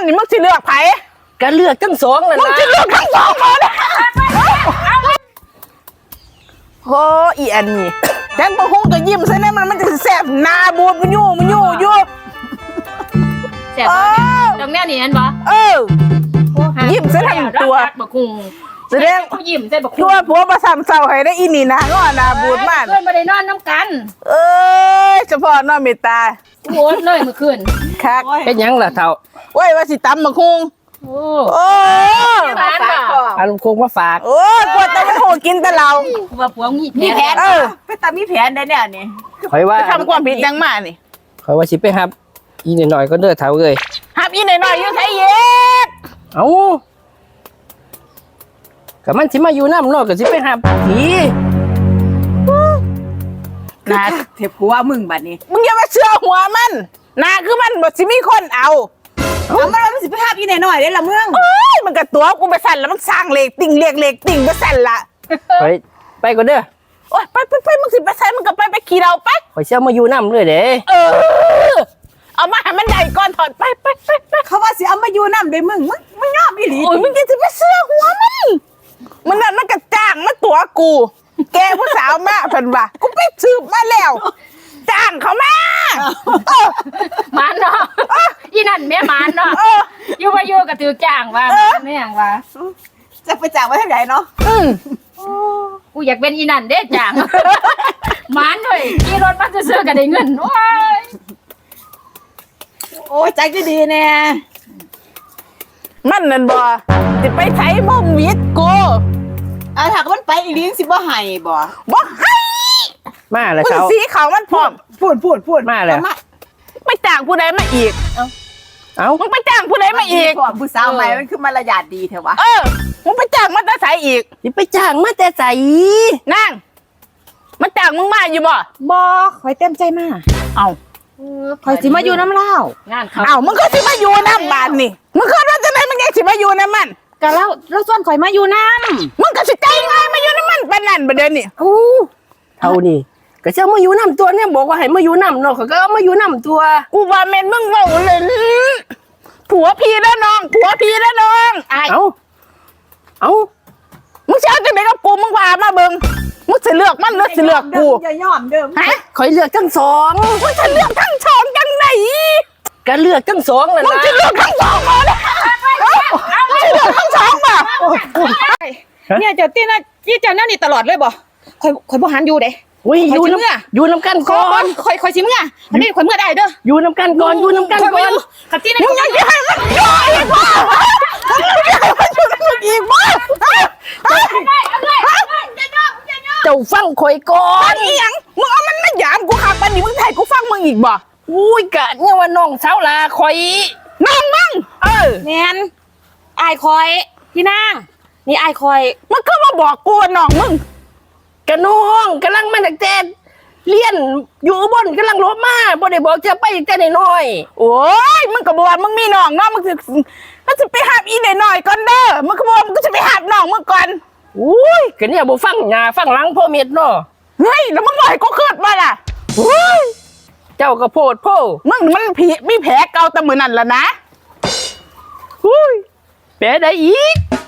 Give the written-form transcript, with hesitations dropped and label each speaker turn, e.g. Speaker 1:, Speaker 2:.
Speaker 1: นี่มึงสิเลือกไผ
Speaker 2: ก็เลือกทั้งสองเลยนะ
Speaker 1: มึงสิเลือกทั้งสองคนโอ้อีอันนี้แกงปะฮุ้งก็ยิ้มใส่เนี่ยมันจะแสบหน้าบูดมันยู่อยู่
Speaker 3: แสบตรงแนวนี้นั่นบ่
Speaker 1: ยิ้มใส่ทั้งตัว
Speaker 3: บักคุง
Speaker 1: แสดง
Speaker 3: เขายิ้มใส่บักคุง
Speaker 1: ตัวผัวประสามเศร้าให้ได้อีนี่นะก็หน้าบูดมาก
Speaker 3: เพื่อนมาได้นอนน้ำกัน
Speaker 1: เฉพาะน้องเมตตา
Speaker 3: โอ้เลยเมื่อคืน
Speaker 1: คัก
Speaker 2: เป็นยังล่ะเท่า
Speaker 1: โอ้ยว่าสิตำมะคุงโอ้
Speaker 2: อารมณ์คงมาฝาก
Speaker 1: โอ้กลัวแต่ไม่โหกินแต่เรา
Speaker 3: ว่าผัวมีแผน
Speaker 1: ไปตามมีแผนได้เนี่ยนี่
Speaker 2: คอยว่า
Speaker 1: ทำความผิดยังมานี่
Speaker 2: คอยว่าสิไปครับอีหน่อยก็เด้อเท่าเลย
Speaker 1: ฮับอีหน่อยอยู่ไทยเย็ด
Speaker 2: เอ้ากับมันสิมาอยู่น้ำนอกกับสิไปครับผี
Speaker 1: นาเทปหัวมึงบัดนี้มึงอย่ามาเชื่อหัวมันนาคือมันบดสิมีคนเอามันสิไปฮับอีหน่อยได้ละมึงมันกับตัวกูไปสั่นแล้วมันสร้างเหล็กติ่งเหล็กติ่งไปสั่นละ
Speaker 2: ไปก็เด้อ
Speaker 1: โอ้ยไปมึงสิไปใส่มึงก็ไปขี่เราไป
Speaker 2: คอยเชื่อมาอยู่น้ำเลยเด้
Speaker 1: เอามาให้มันใหญ่ก่อนถอดไปเขาว่าสิเอามาอยู่น้ำได้มึงยอมอีหลีโอ้ยมึงจะไปเสื้อหัวมันนั่นมันกระจ่างมาตัวกูแกผู้สาวมาเพิ่นว่ากูไปสืบมาแล้วจ้างเขามา
Speaker 3: มันเนาะอีนั่นแม่มันเนาะอยู่มาอยู่กับถือจ้างว่าแม่งว่า
Speaker 1: จะไปจ้างไว้ที่ไหนเนาะ
Speaker 3: กูอยากเป็นอีนั่นเด้จ้างมันเลยขี่รถมาซื้อกันได้เงิน
Speaker 1: โอ้ยใจก็ดีแน่มันนั่นบ่สิไปไถบ่มวิทย์กูถ้ามันไปอีลิ้นสิบ่ให้บ่ให้
Speaker 2: มาแล้ว
Speaker 1: เช้าสีเขามันพร้อมพูด
Speaker 2: มาแล้ว
Speaker 1: ไปจ้างผู้ใดมาอีกมึงไปจ้างผู้ใดมาอีกผู้สาวใหม่มันคือมารยาทดีเถอะวะมึงไปจ้างมาแต่ใสอีก
Speaker 2: ไปจ้างมาแต่ใส
Speaker 1: นั่งมันจ้างมึงมาอยู่บ่คอยเต็มใจมาคอยสิมาอยู่น้ำเล่างานเขามึงก็สิมาอยู่น้ำบานนี่มึงเคยว่าจะไหนมึงยังสิมาอยู่น้ำมัน
Speaker 3: ก็แล้วส่วนข่อยมาอยู่น้
Speaker 1: ำมึงก็สิใจง่ายมาอยู่น้ำมันปานนั่นประเดี๋ยวนี้
Speaker 2: เท่านี้ก็เจ้ามาอยู่น้ำตัวเนี่ยบอกว่าให้มาอยู่น้ำเนาะก็มาอยู่น้ำตัว
Speaker 1: กูว่าเมนมึงเว่าเลยผัวพี่แล้วน้องเอามึงเชื่อจะไหนกับกูมึงว่ามาเบิ่งมึงจะเลือกมันหรือจะเลือกกู
Speaker 3: อย่ายอมเดิม
Speaker 2: คอยเลือกทั้งสอง
Speaker 1: มึงจะเลือกทั้งสองจังไหน
Speaker 2: ก็เลือกทั้งสองเลยนะ
Speaker 1: มึงจะเลือกทั้งสองมาเลยมึงจะเลือกทั้งสองมา
Speaker 3: เนี่ยเจ้าตีน่ะยี่เจ้านั่นนี่ตลอดเลยบ่คอยบ่หันอยู่เด้
Speaker 2: อยู่น้ำกันก่อน
Speaker 3: คอยสิมึงอันนี้คอยเมื่อได้เด้อ
Speaker 2: อยู่น้ำกันก่อน
Speaker 3: ขับตีน่ะ
Speaker 1: มึงยังจะให้มันย่อยอีกบ่อีกบ่
Speaker 2: เจ้าฟังคอยก่อน
Speaker 1: อีหยังมึงเอามันมาหยามกูขับปันนี่มึงไทยกูฟังมึงอีกบ่
Speaker 2: อุ้ยกะเนี่ยว่าน้องสาวลาคอย
Speaker 1: น้องมึง
Speaker 3: แมนอายคอยพี่นางนี่อายคอย
Speaker 1: มันก็มาบอกกูน้องมึง
Speaker 2: กะน้องกำลังมาจากเจนเลี้ยนอยู่บนกำลังลบมาบ่ได้บอกจะไปแต่น้อย
Speaker 1: โอ้ยมึงก็บอกมึงมีน้องเนาะมึงจะไปหาอีหน่อยก่อนเด้อมึงก็บอกมึงก็จะไปหาน้องมึงก่อน
Speaker 2: อุ้ยก็เนี่ยบ่ฟังหน้าฟังหลังพ่อเม็ดเนาะ
Speaker 1: เฮ้ยแล้วมึงบ่ให้กูเกิดมาล่ะ
Speaker 2: เจ้าก็โพดโพ
Speaker 1: มึงมันผีมีแผลเก่าแต่มือนั่นแล้วนะ
Speaker 2: แผลได้อีก